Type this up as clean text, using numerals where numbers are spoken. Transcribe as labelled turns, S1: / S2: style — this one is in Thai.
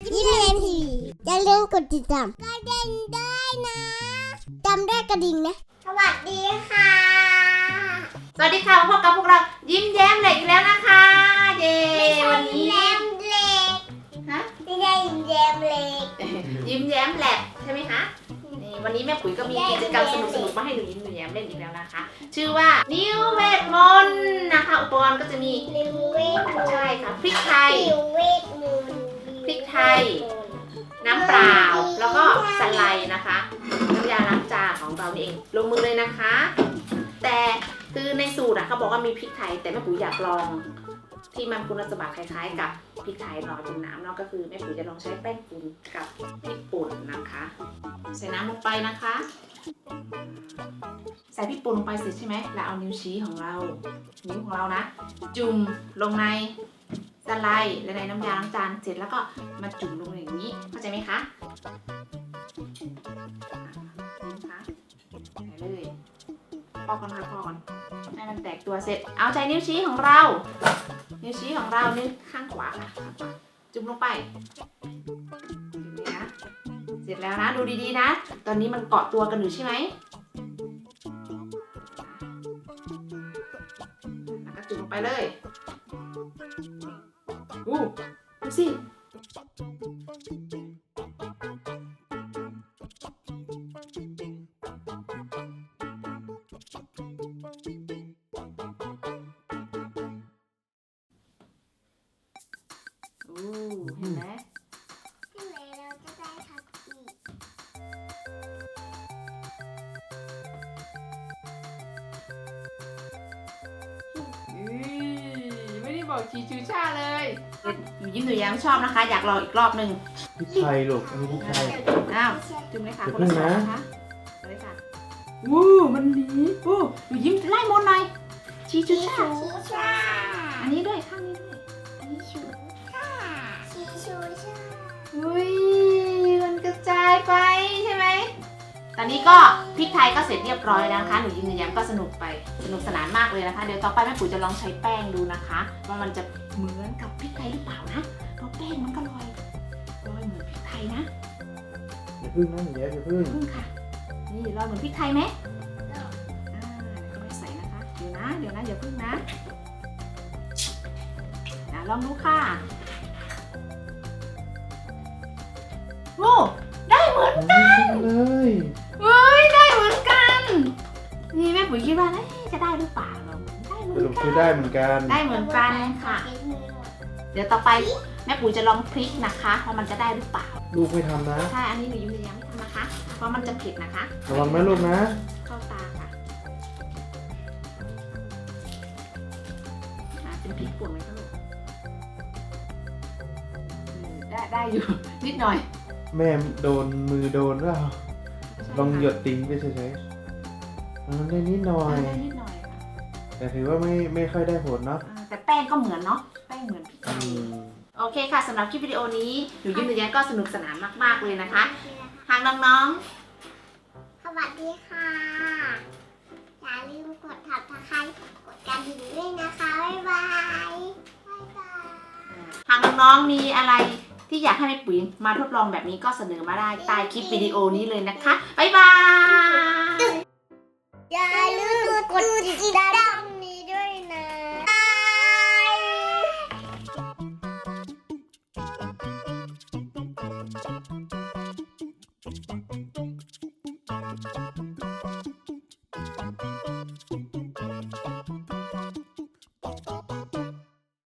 S1: ยิ้มเรียนทีอย่าลืมกดติดตามกระดิ่งด้วยนะจำได้กระดิ่งนะสวัสดีค่ะ
S2: สวัสดีค่ะพบกับพวกเรายิ้มแย้มเหล็กอีกแล้วนะคะเย้วันนี้
S1: ยิ้มแย้มเล็ก
S2: ฮะ
S1: ไม่ใช่ยิ้มแย้มเล็ก
S2: ยิ้มแย้มแหลกใช่ไหมคะนี่วันนี้แม่ปุ๋ยก็มีกิจกรรมสนุกๆมาให้หนูยิ้มหนูแย้มเล่นอีกแล้วนะคะชื่อว่านิ้วเวทมนต์นะคะอุปกรณ์ก็จะมี
S1: นิ้วเวทมนต์
S2: ใช่ค่ะพริกไทย
S1: นิ้วเวทมนต์
S2: พริกไทยน้ำเปล่าแล้วก็สไลด์นะคะน้ำยาล้างจานของเราเองลงมือเลยนะคะแต่คือในสูตรเขาบอกว่ามีพริกไทยแต่แม่ปุ๋ยอยากลองที่มันคุณสมบัติคล้ายๆกับพริกไทยลอยบนน้ำเนาะก็คือแม่ปุ๋ยจะลองใช้แป้งฝุ่นกับพริกป่นนะคะใส่น้ำลงไปนะคะใส่พริกป่นลงไปเสร็จใช่ไหมแล้วเอานิ้วชี้ของเรานิ้วของเรานะจุ่มลงในสไลด์และในน้ำยาล้างจานเสร็จแล้วก็มาจุ่มลงอย่างนี้เข้าใจไหมคะนี่นะคะใส่เลยพอก่อนค่ะพอก่อนให้มันแตกตัวเสร็จเอาใจนิ้วชี้ของเรานิ้วชี้ของเรานิ้วข้างขวาค่ะข้างขวาจุ่มลงไปจุ่มเลยนะเสร็จแล้วนะดูดีๆนะตอนนี้มันเกาะตัวกันอยู่ใช่ไหมแล้วก็จุ่มลงไปเลยดูสิเห็นไหม
S1: ที่ไหนเราจะได้ทักอีก
S2: ไม่ได้บอกชีชูชาเลยหนูยิ้มหนูแย้มชอบนะคะอยากลองอีกรอบหนึ่ง
S3: พริกไทยลูกอันนี้พริกไทย
S2: อ้าวจุ่มเลยค่ะ
S3: เดี๋ยว
S2: คนละ
S3: พึ่ง
S2: สอง
S3: นะ
S2: นะคะเอาเลยค่ะวู้มันดีวู้หนูยิ้มไล่มนต์หน่อยชีชูชา
S1: ชีชา
S2: อันนี้ด้วยข้างนี้ด้วย
S1: ชีชูชาชีชูชา
S2: อุ้ยมันกระจายไปใช่ไหมตอนนี้ก็พริกไทยก็เสร็จเรียบร้อยแล้วนะคะหนูยิ้มหนูแย้มก็สนุกไปสนุกสนานมากเลยนะคะเดี๋ยวต่อไปแม่ปุ๋ยจะลองใช้แป้งดูนะคะว่ามันจะเหมือนกับพริกไทยหรือเปล่านะเพราะแป้งมันก็ลอยเหมือนพริกไทยนะ
S3: อย่าพึ่งนะอย่าพึ่ง
S2: พึ่งค่ะนี่ลอยเหมือนพริกไทยไหมเดี๋ยวก็ไม่ใส่นะคะเดี๋ยวนะอย่าพึ่งนะลองดูค่ะโอ้ได้เหมือนกัน
S3: เลย
S2: เฮ้ยได้เหมือนกันนี่แม่ปุ๋ยคิดว่าจะได้หรือเปล่าเราได้เหมื
S3: ส
S2: อน
S3: รุป
S2: กั
S3: คือน ได้เหมือนกัน
S2: ได้เหมือนกันค่ะ เดี๋ยวต่อไปแม่ปุ๋ยจะลองพริกนะคะว่ามันจะได้หรือเปล่า
S3: ลูกไม่ทำนะ
S2: ใช่อันนี้หนูยิ้มยังไม่ทำนะคะเพราะมันจะเผ็ดนะคะ
S3: ระวังนะลูกนะ
S2: เข้าตาค่ะเป็นพริกป่นไหมคะลูกได้อยู่ นิดหน่อย
S3: แม่โดนมือโดนว่าลองหยดติ้งไปเฉยๆได้นิดหน่อย
S2: ได้นิดหน่อยค่ะ
S3: แต่ถือว่าไม่ค่อยได้ผลเนาะ
S2: แต่แป้งก็เหมือนเนาะแป้งเหมือนพริกไทยโอเคค่ะสำหรับคลิปวิดีโอนี้หนูยิ้มหนูแย้มก็สนุกสนานมากๆเลยนะคะทางน้องๆ
S1: สวัสดีค่ะ อย่าลืมกดถับตะไคร้กดกระดิ่งด้วยนะคะ บ๊ายบาย บ๊ายบาย
S2: ทางน้องๆมีอะไรที่อยากให้แม่ปุ๋ยมาทดลองแบบนี้ก็เสนอมาได้ใต้คลิปวิดีโอนี้เลยนะคะ บ๊ายบาย
S1: อย่าลืมกดติดตามนี้ด้วยนะบาย